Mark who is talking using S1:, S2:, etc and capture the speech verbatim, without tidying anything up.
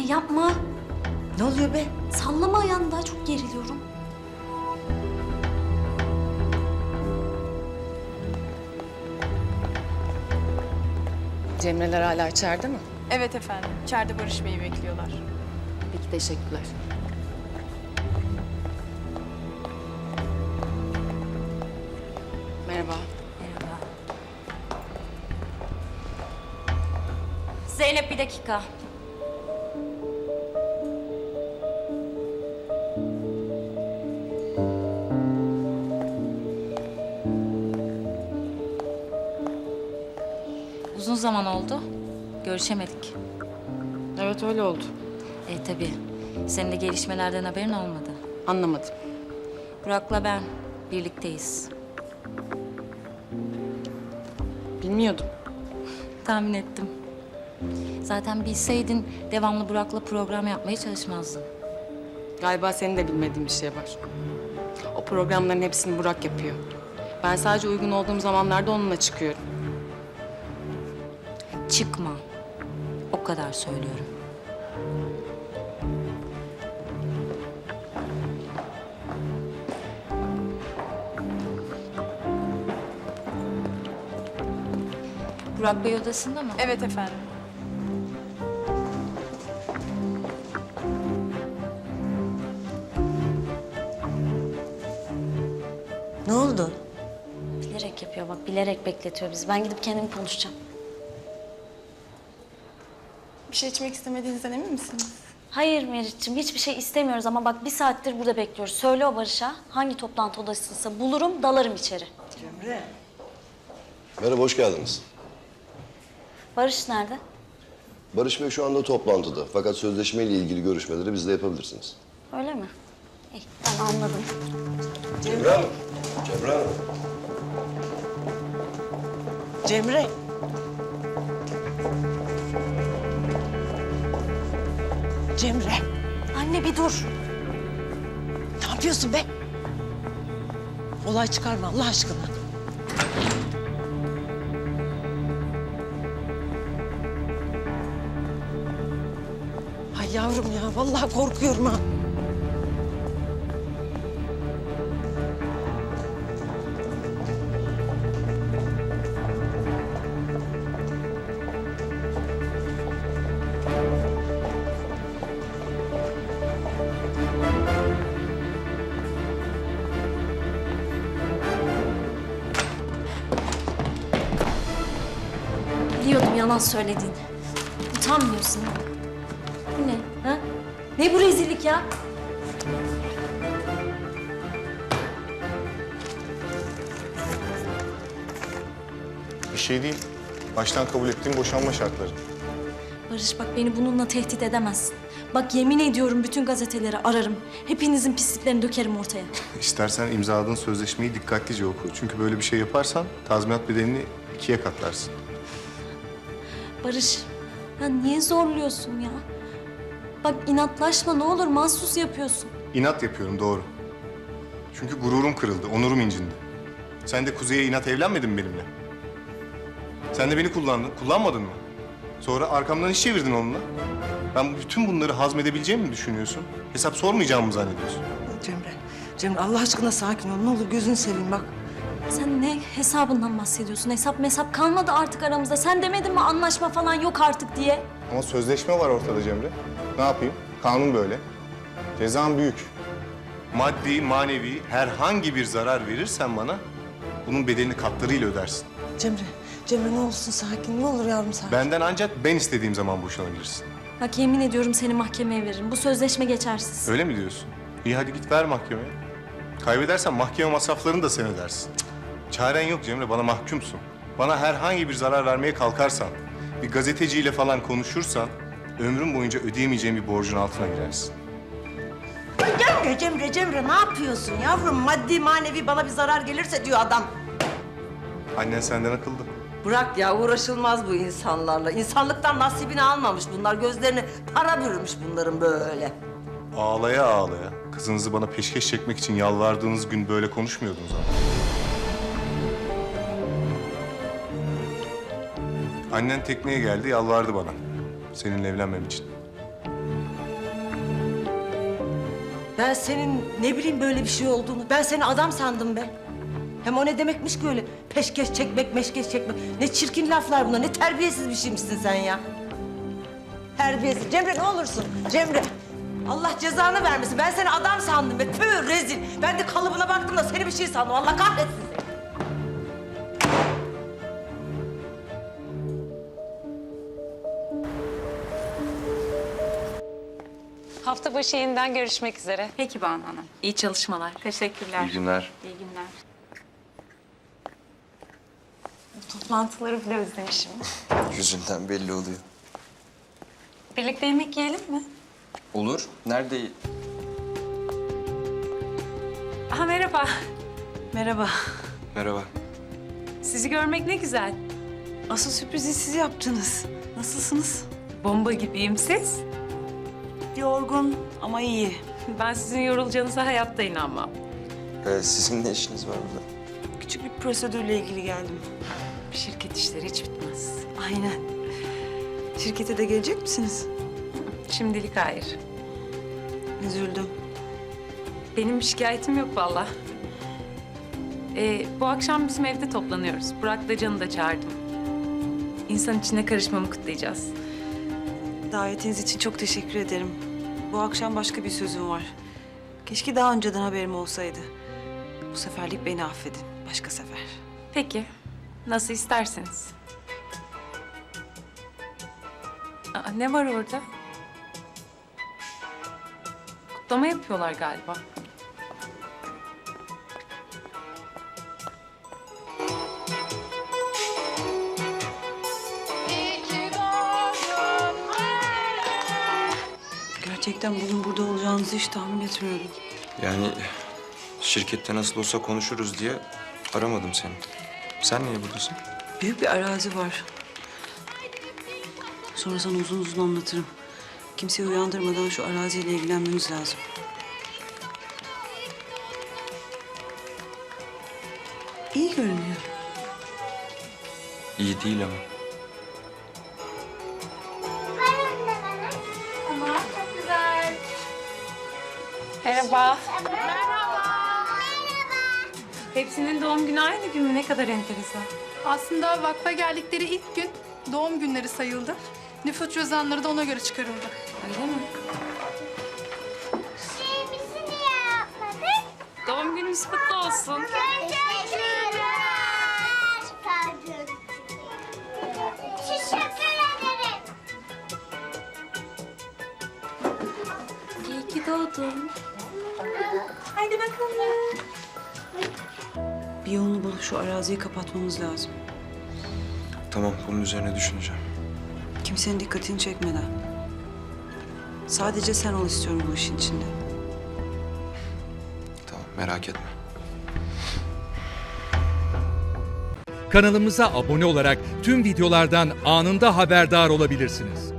S1: yapma.
S2: Ne oluyor be?
S1: Sallama ayağını, daha çok geriliyorum.
S3: Cemreler hala içeride mi?
S4: Evet efendim. İçeride Barış Bey'i bekliyorlar.
S3: Peki, teşekkürler. Merhaba.
S1: Merhaba. Zeynep, bir dakika. Uzun zaman oldu. Görüşemedik.
S3: Evet, öyle oldu.
S1: E tabii. Senin de gelişmelerden haberin olmadı.
S3: Anlamadım.
S1: Burak'la ben birlikteyiz.
S3: Bilmiyordum.
S1: Tahmin ettim. Zaten bilseydin devamlı Burak'la program yapmaya çalışmazdın.
S3: Galiba senin de bilmediğin bir şey var. O programların hepsini Burak yapıyor. Ben sadece uygun olduğum zamanlarda onunla çıkıyorum.
S1: Çıkma. O kadar söylüyorum. Burak Bey odasında mı?
S4: Evet efendim.
S2: Ne oldu?
S1: Bilerek yapıyor bak, bilerek bekletiyor bizi. Ben gidip kendim konuşacağım.
S4: Bir şey içmek istemediğinizden emin misiniz?
S1: Hayır Meriç'ciğim, hiçbir şey istemiyoruz ama bak bir saattir burada bekliyoruz. Söyle o Barış'a, hangi toplantı odasıysa bulurum, dalarım içeri.
S2: Cemre.
S5: Merhaba, hoş geldiniz.
S1: Barış nerede?
S5: Barış Bey şu anda toplantıda. Fakat sözleşmeyle ilgili görüşmeleri bizle yapabilirsiniz.
S1: Öyle mi? İyi, ben anladım.
S5: Cemre Hanım. Cemre Hanım.
S2: Cemre. Cemre.
S1: Anne bir dur.
S2: Ne yapıyorsun be? Olay çıkarma Allah aşkına. Ay yavrum ya, vallahi korkuyorum ha.
S1: Biliyordum yalan söylediğini. Utanmıyorsun. Bu ne? Ha? Ne bu rezillik ya?
S6: Bir şey değil. Baştan kabul ettiğim boşanma şartları.
S1: Barış bak, beni bununla tehdit edemezsin. Bak yemin ediyorum bütün gazeteleri ararım. Hepinizin pisliklerini dökerim ortaya.
S6: İstersen imzaladığın sözleşmeyi dikkatlice oku. Çünkü böyle bir şey yaparsan tazminat bedelini ikiye katlarsın.
S1: Barış, ya niye zorluyorsun ya? Bak inatlaşma ne olur, mahsus yapıyorsun.
S6: İnat yapıyorum, doğru. Çünkü gururum kırıldı, onurum incindi. Sen de Kuzey'e inat evlenmedin mi benimle? Sen de beni kullandın, kullanmadın mı? Sonra arkamdan iş çevirdin onunla. Ben bütün bunları hazmedebileceğimi mi düşünüyorsun? Hesap sormayacağımı mı zannediyorsun?
S2: Cemre. Cemre Allah aşkına sakin ol. Ne olur gözünü seveyim bak.
S1: Sen ne hesabından bahsediyorsun? Hesap mesap kalmadı artık aramızda. Sen demedin mi anlaşma falan yok artık diye?
S6: Ama sözleşme var ortada Cemre. Ne yapayım? Kanun böyle. Cezam büyük. Maddi, manevi herhangi bir zarar verirsen bana bunun bedelini katlarıyla ödersin.
S2: Cemre. Cemre ne olursun sakin. Ne olur yavrum sakin.
S6: Benden ancak ben istediğim zaman boşanabilirsin.
S1: Bak yemin ediyorum seni mahkemeye veririm. Bu sözleşme geçersiz.
S6: Öyle mi diyorsun? İyi hadi git ver mahkemeye. Kaybedersen mahkeme masraflarını da sen ödersin. Cık. Çaren yok Cemre, bana mahkumsun. Bana herhangi bir zarar vermeye kalkarsan, bir gazeteciyle falan konuşursan ömrüm boyunca ödeyemeyeceğim bir borcun altına girersin.
S2: Cemre, Cemre, Cemre ne yapıyorsun yavrum? Maddi manevi bana bir zarar gelirse diyor adam.
S6: Annen senden akıllı.
S2: Bırak ya, uğraşılmaz bu insanlarla. İnsanlıktan nasibini almamış bunlar. Gözlerini para bürümüş bunların böyle.
S6: Ağlaya ağlaya kızınızı bana peşkeş çekmek için yalvardığınız gün böyle konuşmuyordunuz ama. Annen tekneye geldi, yalvardı bana. Seninle evlenmem için.
S2: Ben senin ne bileyim böyle bir şey olduğunu. Ben seni adam sandım be. Hem o ne demekmiş ki öyle peşkeş çekmek, meşkeş çekmek. Ne çirkin laflar bunlar, ne terbiyesiz bir şeymişsin sen ya. Terbiyesiz. Cemre ne olursun, Cemre. Allah cezanı vermesin. Ben seni adam sandım be. Tüh rezil. Ben de kalıbına baktım da seni bir şey sandım. Allah kahretsin seni.
S7: Hafta başı yeniden görüşmek üzere.
S8: Peki Banu Hanım.
S7: İyi çalışmalar.
S8: Teşekkürler.
S9: İyi günler.
S8: İyi günler.
S7: Toplantıları bile özlemişim.
S9: Yüzünden belli oluyor.
S7: Birlikte yemek yiyelim mi?
S9: Olur. Nerede?
S7: Aha merhaba.
S8: Merhaba.
S9: Merhaba.
S7: Sizi görmek ne güzel.
S8: Asıl sürprizi siz yaptınız. Nasılsınız?
S7: Bomba gibiyim siz.
S8: Yorgun ama iyi.
S7: Ben sizin yorulacağınıza hayatta inanmam.
S9: Ee, sizin ne işiniz var burada?
S8: Küçük bir prosedürle ilgili geldim.
S7: Şirket işleri hiç bitmez.
S8: Aynen. Şirkete de gelecek misiniz?
S7: Şimdilik hayır.
S8: Üzüldüm.
S7: Benim bir şikayetim yok vallahi. Ee, bu akşam bizim evde toplanıyoruz. Burak'la Can'ı da çağırdım. İnsan içine karışmamı kutlayacağız.
S8: Davetiniz için çok teşekkür ederim. Bu akşam başka bir sözüm var. Keşke daha önceden haberim olsaydı. Bu seferlik beni affedin. Başka sefer.
S7: Peki. Nasıl isterseniz. Aa, ne var orada? Kutlama yapıyorlar galiba.
S8: Gerçekten bugün burada olacağınızı hiç tahmin etmiyordum.
S9: Yani şirkette nasıl olsa konuşuruz diye aramadım seni. Sen niye buradasın?
S8: Büyük bir arazi var. Sonra sana uzun uzun anlatırım. Kimseyi uyandırmadan şu araziyle ilgilenmemiz lazım. İyi görünüyor.
S9: İyi değil ama.
S7: Merhaba. Merhaba. Hepsinin doğum günü aynı gün mü? Ne kadar enteresan.
S10: Aslında vakfa geldikleri ilk gün doğum günleri sayıldı. Nüfus cüzdanları da ona göre çıkarıldı.
S7: Öyle mi? Doğum gününüz kutlu olsun. İyi ki doğdun. Haydi bakalım.
S8: Bir yolunu bulup şu araziyi kapatmamız lazım.
S9: Tamam, bunun üzerine düşüneceğim.
S8: Kimsenin dikkatini çekmeden. Sadece sen ol istiyorum bu işin içinde.
S9: Tamam, merak etme.
S11: Kanalımıza abone olarak tüm videolardan anında haberdar olabilirsiniz.